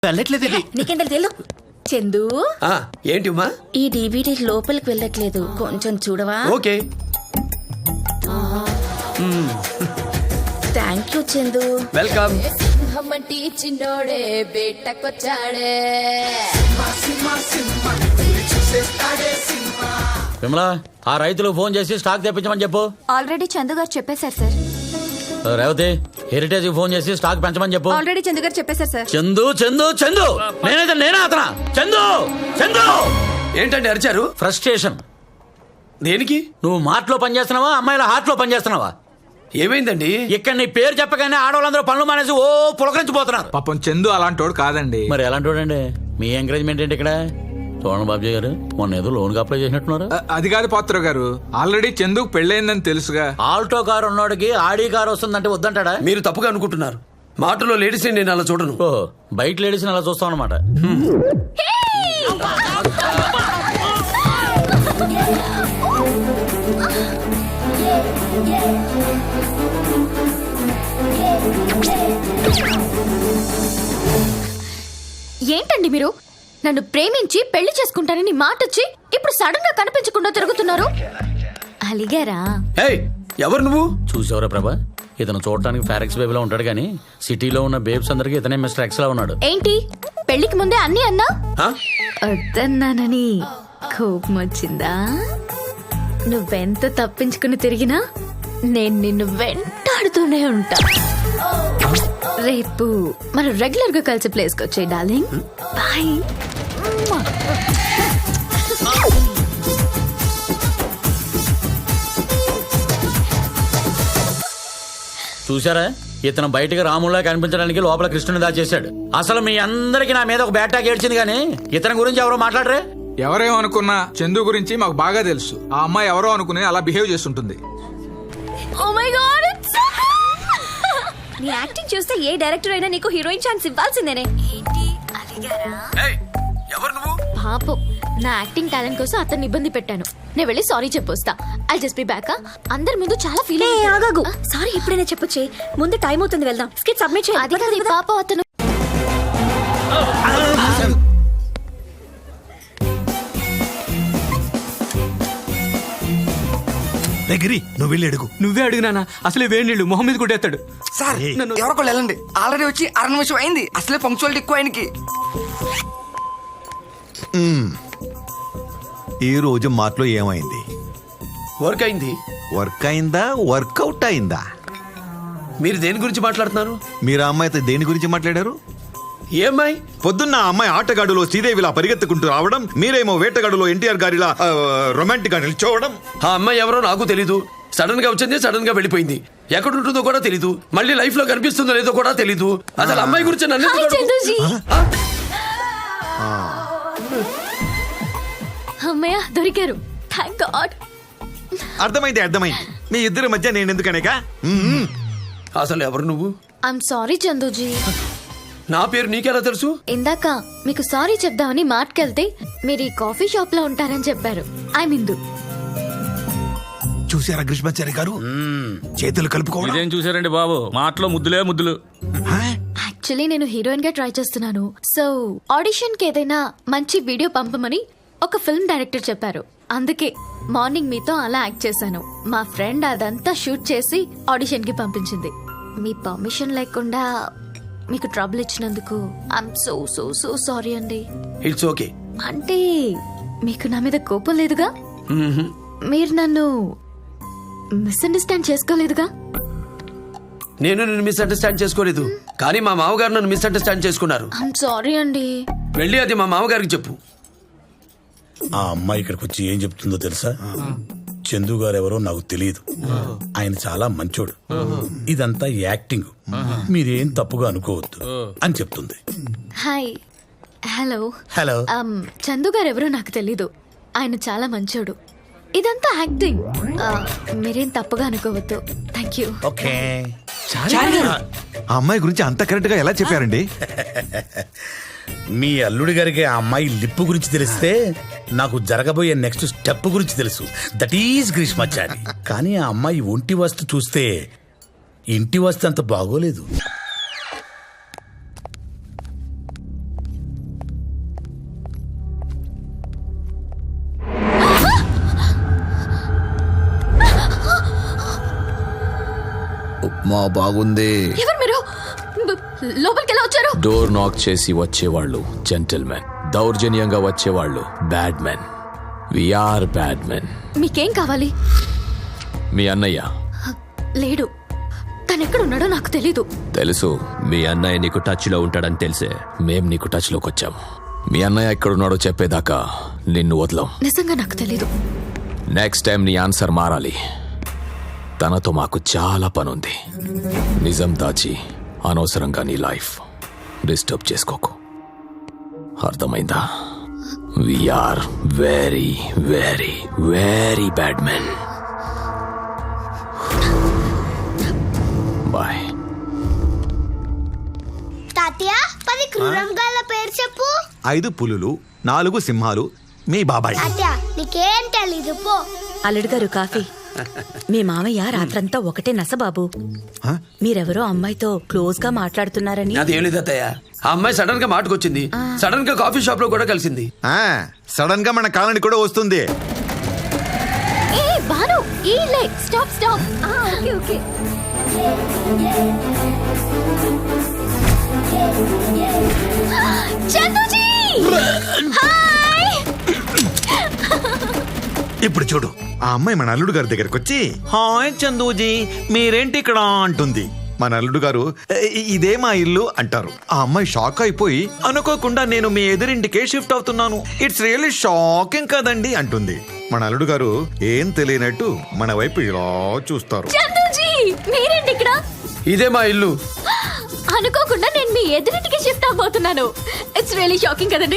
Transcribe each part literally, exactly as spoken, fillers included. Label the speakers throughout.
Speaker 1: వెళ్ళట్లేదు ఇది.
Speaker 2: నీకేం తెలు చందు
Speaker 3: ఆ, ఏంటి ఉమా?
Speaker 2: ఈ డీవీడీ లోపలికి వెళ్ళట్లేదు, కొంచెం చూడవా?
Speaker 3: Okay.
Speaker 2: Thank you Chandu.
Speaker 3: Welcome.
Speaker 4: సింహమంటి చిన్నోడే బేటకొచ్చాడే.
Speaker 5: విమలా, ఆ రైతులకు ఫోన్ చేసి స్టాక్ తెప్పించమని చెప్పు.
Speaker 6: ఆల్రెడీ చందు గారు చెప్పేశారు సార్.
Speaker 5: రేవతి, హెరిటేజ్ ఫోన్ చేసి స్టాక్ పెంచమని చెప్పు.
Speaker 6: ఆల్రెడీ చందు గారు చెప్పేశారు సార్.
Speaker 5: చందు చందు చందు నేనైతే నేనా అతనా? చందు చందు
Speaker 3: ఏంటండి అరిచారు?
Speaker 5: ఫ్రస్ట్రేషన్.
Speaker 3: దేనికి?
Speaker 5: నువ్వు మాటలో పనిచేస్తున్నావా, అమ్మాయిల హార్ట్ లో పనిచేస్తున్నావా?
Speaker 3: ఏమైందండి?
Speaker 5: ఇక్కడ నీ పేరు చెప్పగానే ఆడవాళ్ళందరూ పనులు మానేసి ఓ పులకరించిపోతున్నారు.
Speaker 1: పాపం చందు అలాంటోడు కాదండి.
Speaker 5: మరి ఎలాంటి వాడండి? మీ ఎంకరేజ్మెంట్ ఏంటి ఇక్కడ? చూడండి బాబుజీ గారు, మొన్న ఏదో లోన్ కి అప్లై చేసినట్టున్నారు.
Speaker 1: అ- అది కాదు పాత్ర గారు, ఆల్రెడీ చందుకు పెళ్ళైందని తెలుసుగా.
Speaker 5: ఆల్టో కారు ఉన్నోడికి ఆడి కారు వస్తుందంటే వద్దంటాడా?
Speaker 3: మీరు తప్పుగా అనుకుంటున్నారు. మాటలో లేడీస్ నేను అలా చూడను.
Speaker 5: ఓ, బయట లేడీస్ అలా చూస్తాం అనమాట.
Speaker 6: ఏంటండి మీరు? నన్ను ప్రేమించి పెళ్లి చేసుకుంటానని మాటొచ్చి ఇప్పుడు సడన్ గా కనిపించకుండా తిరుగుతున్నారు. అలిగారా?
Speaker 3: ఏయ్, ఎవరు నువ్వు?
Speaker 5: చూసావరా ప్రభా, ఇతను చూడటానికి ఫారెక్స్ బేబీలో ఉంటాడు కానీ సిటీలో ఉన్న బేబ్స్ అందరికి ఇతనే మిస్టర్ ఎక్స్ లా ఉన్నాడు.
Speaker 6: ఏంటి పెళ్లికి ముందే అన్ని అన్నా?
Speaker 3: ఆ?
Speaker 6: వద్దన్నానని కోపం వచ్చిందా? నువ్వెంత తప్పించుకుని తిరిగినా నేను నిన్ను వెంటాడుతూనే ఉంటా. రేపు మనం రెగ్యులర్ గా కలిసి ప్లేస్ కి వచ్చే డార్లింగ్. బాయ్.
Speaker 5: చూసారా, ఇతను బయటకు రాములా కనిపించడానికి లోపల కృష్ణుని దాచేశాడు. అసలు మీ అందరికి నా మీద ఒక బ్యాట్ టాక్ ఏడ్చింది కానీ ఇతని గురించి ఎవరో మాట్లాడరే.
Speaker 1: ఎవరేమనుకున్నా చందు గురించి మాకు బాగా తెలుసు. ఆ అమ్మాయి ఎవరో అనుకుని అలా బిహేవ్ చేస్తుంటుంది.
Speaker 6: Oh my God, it's so నీ యాక్టింగ్ చూస్తే ఏ డైరెక్టర్ అయినా నీకు హీరోయిన్ ఛాన్స్ ఇవ్వాల్సిందేనే. ఏంటి అలిగారా?
Speaker 3: ఏయ్, ఎవరు నువ్వు?
Speaker 6: పాపం, నా యాక్టింగ్ టాలెంట్ కోసం అతన్ని ఇబ్బంది పెట్టాను. నేను వెళ్ళి సారీ చెప్పొస్తా. I just be back. అందరి ముందు చాలా ఫీల్
Speaker 2: ఆగాగు, సారీ ఎప్పుడైనా చెప్పొచ్చే. ముందు టైం అవుతుంది, వెళ్దాం. స్కిట్ సబ్మిట్ చేయాలి.
Speaker 6: అది కాదు పాపం, అతను
Speaker 7: దగ్గరి నువ్వు వెళ్ళి అడుగు.
Speaker 1: నువ్వే అడిగినానా? అసలే వేడి నీళ్ళు మొహం మీద కొట్టేస్తాడు.
Speaker 8: సార్ ఎవరికో వెళ్ళండి. ఆల్రెడీ వచ్చి అర నిమిషం అయింది. అసలే పంక్చువాలిటీ ఎక్కువ ఆయనకి.
Speaker 7: ఈ రోజు మాటలో ఏమైంది?
Speaker 3: వర్క్ అయింది.
Speaker 7: వర్క్ అయిందా, వర్కౌట్ అయిందా?
Speaker 3: మీరు దేని గురించి మాట్లాడుతున్నారు?
Speaker 7: మీరు ఆ అమ్మాయితో దేని గురించి మాట్లాడారు?
Speaker 3: ఏ అమ్మాయి?
Speaker 7: పొద్దున్న ఆ అమ్మాయి ఆటగాడులో శ్రీదేవిలా పరిగెత్తుకుంటూ రావడం, మీరేమో వేటగాడులో ఎన్టీఆర్ గారిలా రొమాంటిక్ గా నిల్చోవడం.
Speaker 3: ఆ అమ్మాయి ఎవరో నాకు తెలీదు. సడన్ గా వచ్చింది, సడన్ గా వెళ్ళిపోయింది. ఎక్కడ ఉంటుందో కూడా తెలీదు. మళ్ళీ లైఫ్ లో కనిపిస్తుందో లేదో కూడా తెలీదు. అసలు అమ్మాయి గురించి నన్ను
Speaker 6: హాయ్
Speaker 3: ఎందుకు అడుగు-
Speaker 6: చందుజీ. అమ్మయ్య దొరికారు. Thank God.
Speaker 7: అర్థమైంది అర్థమైంది. మీ ఇద్దరి మధ్య నేను ఎందుకనేగా. మ్మ్.
Speaker 3: అసలు ఎవరు నువ్వు?
Speaker 6: I'm sorry Chanduji.
Speaker 3: నా పేరు నీకెలా తెలుసు?
Speaker 6: ఇందాక మీకు సారీ చెప్దామని మాట్కెళ్తే మీరు ఈ కాఫీ షాప్ లో ఉంటారని చెప్పారు. ఐ మిందు.
Speaker 7: చూసారా గ్రీష్మాచారి గారు, చేతులు కలుపుకోవడం.
Speaker 5: ఇదేం చూసారండి బాబు, మాటలో ముద్దులే ముద్దులు.
Speaker 7: హా?
Speaker 6: యాక్చువల్లీ నేను హీరోయిన్ గా ట్రై చేస్తున్నాను. సో ఆడిషన్ కి ఏదైనా మంచి వీడియో పంపమని ఒక ఫిల్మ్ డైరెక్టర్ చెప్పారు. అందుకే మార్నింగ్ మీతో అలా యాక్ట్ చేశాను. మా ఫ్రెండ్ అదంతా షూట్ చేసి ఆడిషన్ కి పంపించింది. మీ పర్మిషన్ లేకుండా మీకు ట్రబుల్ ఇచ్చినందుకు I'm so so so sorry అండి.
Speaker 3: It's okay.
Speaker 6: అంటే మీకు నా మీద కోపం లేదుగా? మీరు నన్ను మిస్అండర్స్టాండ్ చేసుకోలేదుగా?
Speaker 3: నేను నిన్ను మిస్అండర్స్టాండ్ చేసుకోలేదు, కానీ మా మామగారు నన్ను మిస్అండర్స్టాండ్ చేసుకున్నారు.
Speaker 6: ఐఎమ్ సారీ అండి.
Speaker 3: వెళ్ళి అది మా మామగారికి చెప్పు.
Speaker 9: ఆ అమ్మాయి ఇక్కడికి వచ్చి ఏం చెప్తుందో తెలుసా? చందు గారు ఎవరో నాకు తెలియదు, ఆయన చాలా మంచోడు, ఇదంతా యాక్టింగ్, మీరేం తప్పుగా అనుకోవద్దు అని చెప్తుంది.
Speaker 6: Hi. Hello.
Speaker 9: Hello.
Speaker 6: Um, Chandu గారు ఎవరో నాకు తెలీదు, ఆయన చాలా మంచోడు. ఇదంతా యాక్టింగ్, మీరేం తప్పుగా అనుకోవద్దు. Thank you.
Speaker 9: ఓకే.
Speaker 7: ఆ అమ్మాయి గురించి అంత కరెక్ట్ గా ఎలా చెప్పారండి?
Speaker 9: మీ అల్లుడి గారికి ఆ అమ్మాయి లిప్పు గురించి తెలిస్తే నాకు జరగబోయే నెక్స్ట్ స్టెప్ గురించి తెలుసు. That is Greeshmachari. కానీ ఆ అమ్మాయి ఒంటి వస్తు చూస్తే ఇంటి వస్తు అంత బాగోలేదు.
Speaker 10: మా బాగుంది.
Speaker 6: ఎవరు మీరు? బ- లోపలికి ఎలా వచ్చారు?
Speaker 10: డోర్ నాక్ చేసి వచ్చేవాళ్ళు జెంటిల్మెన్, దౌర్జన్యంగా వచ్చేవాళ్ళు bad men. We are bad men.
Speaker 6: మీకేం కావాలి?
Speaker 10: మీ అన్నయ్య
Speaker 6: లేడు. తను ఎక్కడున్నాడో నాకు తెలీదు.
Speaker 10: తెలుసు. మీ అన్నయ్య నీకు టచ్ లో ఉంటాడని తెలిసే మేం నీకు టచ్ లోకి వచ్చాం. మీ అన్నయ్య ఎక్కడున్నాడో చెప్పేదాకా నిన్ను వదలం.
Speaker 6: నిజంగా నాకు తెలీదు.
Speaker 10: నెక్స్ట్ టైం నీ ఆన్సర్ మారాలి. తనతో మాకు చాలా పనుంది. నిజం దాచి అనవసరంగా నీ లైఫ్ డిస్టర్బ్ చేసుకోకు. అర్థమైందా? We are very very very bad men. Bye.
Speaker 2: తాతయ్య పది క్రూరంగాల పేరు చెప్పు.
Speaker 7: ఐదు పులులు, నాలుగు సింహాలు, మీ బాబాయ్.
Speaker 2: తాతయ్య నీకేం తెలీదు పో.
Speaker 11: అల్లుడు గారు కాఫీ. మీ మామయ్య రాత్రంతా ఒకటే నసబాబు.
Speaker 7: హ?
Speaker 11: మీరెవరో అమ్మాయితో క్లోజ్ గా మాట్లాడుతున్నారని.
Speaker 3: అదేం లేదు అత్తయ్య. ఆ అమ్మాయి సడన్ గా మాటకొచ్చింది. సడన్ గా కాఫీ షాప్ లో కూడా కలిసింది.
Speaker 7: ఆ, సడన్ గా మన కాలనీ కూడా వస్తుంది.
Speaker 6: ఏ బాను, ఈ లే stop stop. Okay okay. Chanduji hi.
Speaker 7: ఇప్పుడు చూడు, ఆ అమ్మాయి మన అల్లుడు గారి దగ్గరకు వచ్చి హాయ్ చందూజీ మీరేంటి ఇక్కడ అంటుంది. మన అల్లుడు గారు "ఏ, ఇదే మా ఇల్లు అంటారు. ఆ అమ్మాయి షాక్ అయిపోయి అనుకోకుండా నేను మీ ఎదురింటికే షిఫ్ట్ అవుతున్నాను, ఇట్స్ రియల్లీ షాకింగ్ కదండి అంటుంది. మన అల్లుడు గారు ఏం తెలియనట్టు మన వైపు ఇలా చూస్తారు.
Speaker 6: చందుజీ మీరేంటి ఇక్కడ?
Speaker 3: ఇదే మా ఇల్లు.
Speaker 6: అనుకోకుండా నేను మీ ఎదురింటికి షిఫ్ట్ అవబోతున్నాను. ఇట్స్ రియల్లీ షాకింగ్ కదండి.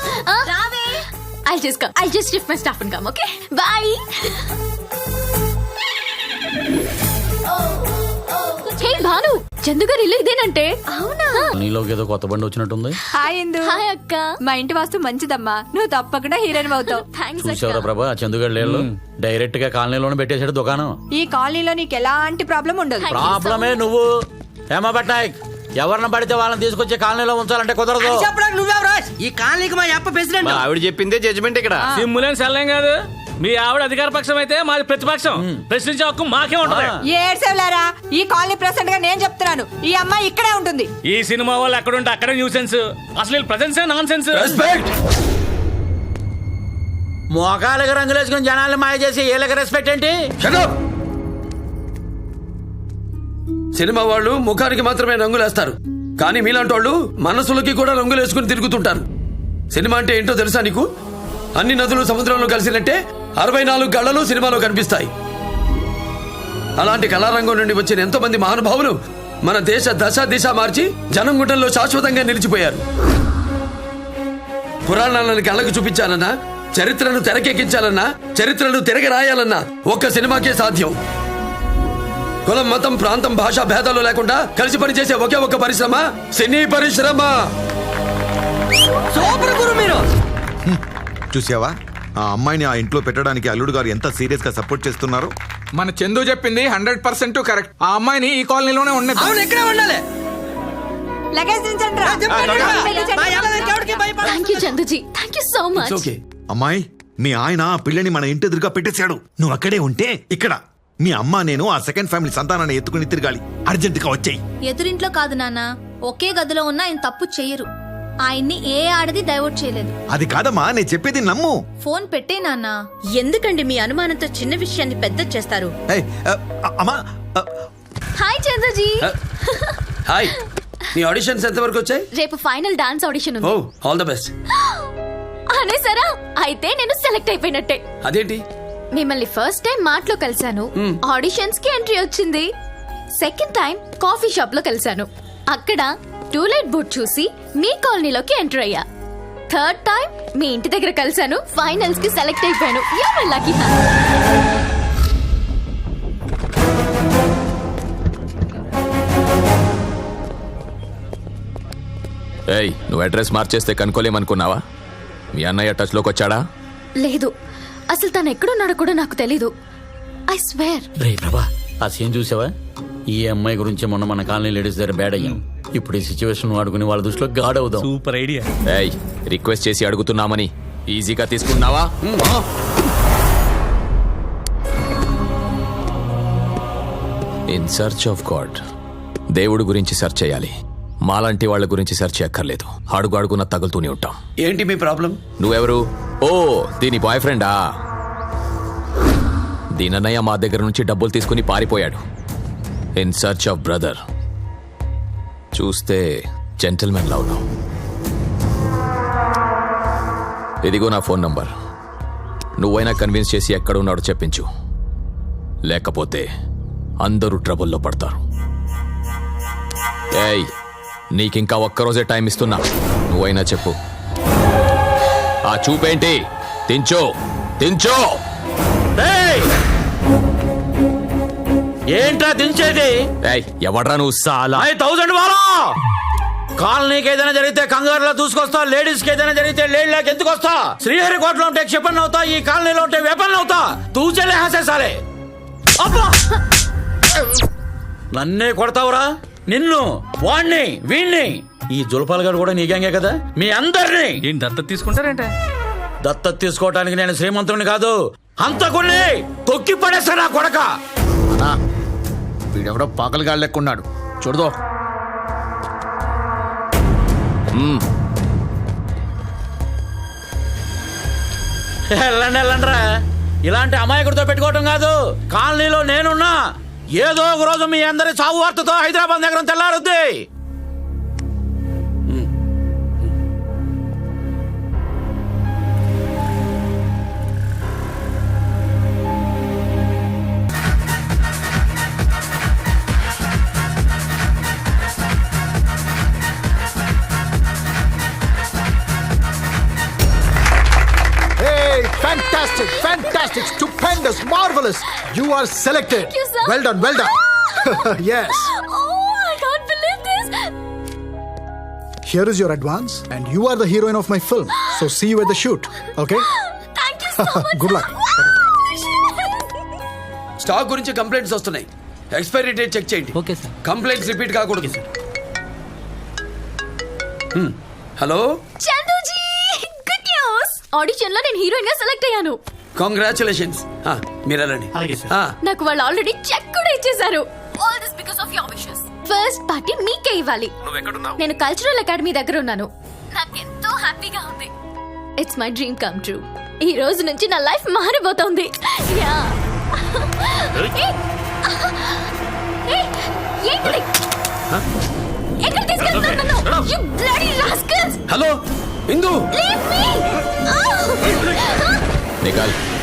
Speaker 6: I just come I just shift my stuff and come. Okay bye. Hey Bhanu, Chandu గారు ఇల్లు ఇదేనంటే. అవునా?
Speaker 5: నీలోకి ఏదో కొత్త బండి వచ్చినట్టుంది.
Speaker 12: హాయ్ ఇందు.
Speaker 6: హాయ్ అక్క.
Speaker 12: మా ఇంటి వాస్తు మంచిదమ్మా, నువ్వు తప్పకుండా హీరోయిన్ అవుతావు.
Speaker 6: థ్యాంక్స్
Speaker 5: చూసావరా
Speaker 6: అక్క.
Speaker 5: ప్రభా, చందుగాడు లేళ్ళు డైరెక్ట్ గా కాలనీలోనే పెట్టేశాడు దుకాణం.
Speaker 12: ఈ కాలనీలో నీకు ఎలాంటి ప్రాబ్లం ఉండదు.
Speaker 5: ప్రాబ్లమే నువ్వు. హేమా పట్నాయక్, ఎవరిని పడితే వాళ్ళని తీసుకొచ్చి కాలనీలో ఉంచాలంటే కుదరదు.
Speaker 8: ఈ కాలనీకి మా అప్ప ప్రెసిడెంట్.
Speaker 10: ఆవిడ చెప్పిందే జడ్జిమెంట్ ఇక్కడ.
Speaker 13: సిమ్ములేని సెల్లం కాదు. మీ ఆవిడ అధికార పక్షం అయితే మాది ప్రతిపక్షం. ప్రశ్నించే హక్కు మాకే ఉంటది.
Speaker 12: ఏడ్సేవలేరా, ఈ కాలనీ ప్రెసిడెంట్ గా నేను చెప్తున్నాను, ఈ అమ్మాయి ఇక్కడే ఉంటుంది.
Speaker 13: ఈ సినిమా వాళ్ళు ఎక్కడుంటే అక్కడే న్యూసెన్స్. అసలు ప్రజెన్స్ నాన్ సెన్స్.
Speaker 5: మోకాళ్ళకి రంగులేసుకుని జనాల్ని మాయ చేసి వీళ్ళకి రెస్పెక్ట్ ఏంటి?
Speaker 3: సినిమా వాళ్ళు ముఖానికి మాత్రమే రంగులేస్తారు, కానీ మీలాంటి వాళ్ళు మనసులకి కూడా రంగులేసుకుని తిరుగుతుంటారు. సినిమా అంటే ఏంటో తెలుసా నీకు? అన్ని నదులు సముద్రంలో కలిసినట్టే అరవై నాలుగు గళ్లలు సినిమాలో కనిపిస్తాయి. అలాంటి కళారంగం నుండి వచ్చిన ఎంతో మంది మహానుభావులు మన దేశ దశ దిశ మార్చి జనం గుండెల్లో శాశ్వతంగా నిలిచిపోయారు. పురాణాలను కళ్ళకు చూపించాలన్నా, చరిత్రను తెరకెక్కించాలన్నా, చరిత్రను తిరగ రాయాలన్నా ఒక్క సినిమాకే సాధ్యం. కులం, మతం, ప్రాంతం, భాషా భేదాలు లేకుండా కలిసి పనిచేసే ఒకే ఒక్క పరిశ్రమ సినీ పరిశ్రమ.
Speaker 8: సూపర్ గురు మీరు.
Speaker 7: చూసావా, ఆ అమ్మాయిని ఆ ఇంట్లో పెట్టడానికి అల్లుడు గారు ఎంత సీరియస్ గా సపోర్ట్ చేస్తున్నారు.
Speaker 1: మన చందు చెప్పింది హండ్రెడ్ పర్సెంట్ కరెక్ట్. ఆ అమ్మాయిని ఈ కాలనీలోనే ఉండదు.
Speaker 8: అవును, ఎక్కడే ఉండాలి.
Speaker 12: లగేజ్ దించండి రా.
Speaker 6: Thank you Chanduji, thank you so much.
Speaker 3: Okay.
Speaker 7: అమ్మాయి, మీ ఆయన ఆ పిల్లని మన ఇంటి ఎదురుగా పెట్టేశాడు. నువ్వు అక్కడే ఉంటే ఇక్కడ మీ అమ్మ నేను ఆ సెకండ్ ఫ్యామిలీ సంతానాన్ని ఎత్తుకుని తిరగాలి. అర్జెంట్ గా వచ్చేయి.
Speaker 2: ఎదురింట్లో కాదు నాన్న, ఒకే గదిలో ఉన్న ఆయన తప్పు చెయ్యరు. ఆయన్ని ఏ ఆడది డైవర్ట్ చేయలేదు.
Speaker 7: అది కాదమ్మా, నేను చెప్పేది నమ్ము.
Speaker 2: ఫోన్ పెట్టే నాన్న.
Speaker 11: ఎందుకండి మీ అనుమానంతో చిన్న విషయాన్ని పెద్ద చేస్తారు?
Speaker 7: ఏయ్, అ, అ, అమ్మా అ,
Speaker 6: హాయ్ చందుజీ.
Speaker 3: హాయ్. నీ ఆడిషన్స్ ఎంత వరకు వచ్చాయి?
Speaker 6: రేపు ఫైనల్ డాన్స్ ఆడిషన్
Speaker 3: ఓ,
Speaker 6: ఉంది.
Speaker 3: All the best.
Speaker 6: అనేసారా? అయితే నేను సెలెక్ట్ అయిపోయినట్టే.
Speaker 3: అదేంటి?
Speaker 6: మిమ్మల్ని ఫస్ట్ టైం మాటలో కలిశాను, ఆడిషన్స్ కి ఎంట్రీ వచ్చింది. సెకండ్ టైం కాఫీ షాప్ లో కలిశాను, అక్కడ టూలెట్ బోర్డ్ చూసి మీ కాలనీలోకి ఎంటర్ అయ్యా. థర్డ్ టైం మీ ఇంటి దగ్గర కలిశాను, ఫైనల్స్ కి సెలెక్ట్ అయిపోయాను. You're lucky man.
Speaker 10: ఏయ్, నువ్వు అడ్రస్ మార్చేస్తే కనుక్కోలేమనుకున్నావా? మీ అన్నయ్య టచ్ లోకి వచ్చాడా?
Speaker 6: లేదు, అసలు తను ఎక్కడున్నాడో కూడా నాకు తెలీదు. I swear.
Speaker 5: రే ప్రభా, ఆ సీన్ చూసావా? ఈ అమ్మాయి గురించి మొన్న మన కాలనీ లేడీస్ దగ్గర బ్యాడ్ అయ్యాం. ఇప్పుడు ఈ సిచ్యువేషన్ వాడుకుని వాళ్ళ దృష్టిలో గాడ్ అవుదాం.
Speaker 13: Super idea.
Speaker 10: ఏయ్, రిక్వెస్ట్ చేసి అడుగుతున్నామని ఈజీగా తీసుకున్నావా? In search of God. దేవుడు గురించి సెర్చ్ చేయాలి, మాలాంటి వాళ్ళ గురించి సెర్చ్ చేయక్కర్లేదు. అడుగు అడుగున తగులుతూనే ఉంటాం.
Speaker 3: ఏంటి మీ ప్రాబ్లం?
Speaker 10: నువ్వెవరు? ఓ, దీని బాయ్ ఫ్రెండా? దీనన్నయ్య మా దగ్గర నుంచి డబ్బులు తీసుకుని పారిపోయాడు. In search of brother. చూస్తే జెంటిల్మెన్ లా ఉన్నావు. ఇదిగో నా ఫోన్ నంబర్. నువ్వైనా కన్విన్స్ చేసి ఎక్కడున్నాడో చెప్పించు, లేకపోతే అందరూ ట్రబుల్లో పడతారు. ఏయ్, నీకింకా ఒక్కరోజే టైం ఇస్తున్నా, నువ్వైనా చెప్పు. ఆ చూపేంటి? తించో తించో.
Speaker 5: ఏంట్రా దించేది?
Speaker 10: ఏయ్, ఎవడ్రా నువ్వు? సాలా
Speaker 5: థౌసండ్ వాలా. కాలనీకి ఏదైనా జరిగితే కంగారులో చూసుకొస్తా, లేడీస్ కి ఏదైనా జరిగితే లేడీ లేక ఎందుకు వస్తా? శ్రీహరికోటలో ఉంటే క్షిపణ్ అవుతా, ఈ కాలనీలో ఉంటే వెపన్ అవుతా. తూచలే హాసేసాలే. అబ్బా, నన్నే కొడతావురా? నిన్ను, వాణ్ణి, వీణ్ణి. ఈ జులపాల గారు కూడా నీ గ్యాంగే కదా? మీ అందరినీ
Speaker 13: ఏంటి దత్తత తీసుకుంటారేంటే?
Speaker 5: దత్తత తీసుకోవటానికి నేను శ్రీమంతుడిని కాదు, హంతకుణ్ణి. తొక్కి పడేస్తా నా కొడక.
Speaker 14: వీడెవడో పాకలుగా లెక్కున్నాడు, చూడదో.
Speaker 5: వెళ్ళండి వెళ్ళండిరా. ఇలాంటి అమాయకుడితో పెట్టుకోవటం కాదు. కాలనీలో నేనున్నా, ఏదో ఒక రోజు మీ అందరి చావు వార్తతో హైదరాబాద్ నగరం తెల్లారుద్ది.
Speaker 14: Fantastic, fantastic, stupendous, marvelous. You are selected.
Speaker 6: Thank you, sir.
Speaker 14: Well done, well done. Yes.
Speaker 6: Oh, I can't believe this.
Speaker 14: Here is your advance, and you are the heroine of my film. So see you at the shoot, okay?
Speaker 6: Thank you so much.
Speaker 14: Good luck.
Speaker 3: Stock గురించి complaints వస్తున్నాయి. Expiry date check చేయండి.
Speaker 13: Okay sir.
Speaker 3: Complaints repeat కాకూడదు. Hello
Speaker 6: Chanduji, good news. Audition లో నేను heroine గా select అయ్యాను.
Speaker 3: Congratulations. మీరు రండి.
Speaker 6: నాకు వాళ్ళు ఆల్రెడీ చెక్ కూడా ఇచ్చేశారు. All this because of your wishes. First party మీకే ఇవ్వాలి. నేను కల్చరల్ అకాడమీ దగ్గర ఉన్నాను. నాకు ఎంతో హ్యాపీగా ఉంది. It's my dream come true. ఈ రోజు నుంచి నా లైఫ్ మారిపోతుంది. యా. ఎక్కడ తీసుకెళ్తున్నాను? You bloody rascals!
Speaker 3: Hello Indu,
Speaker 6: Leave me!
Speaker 10: నికాల్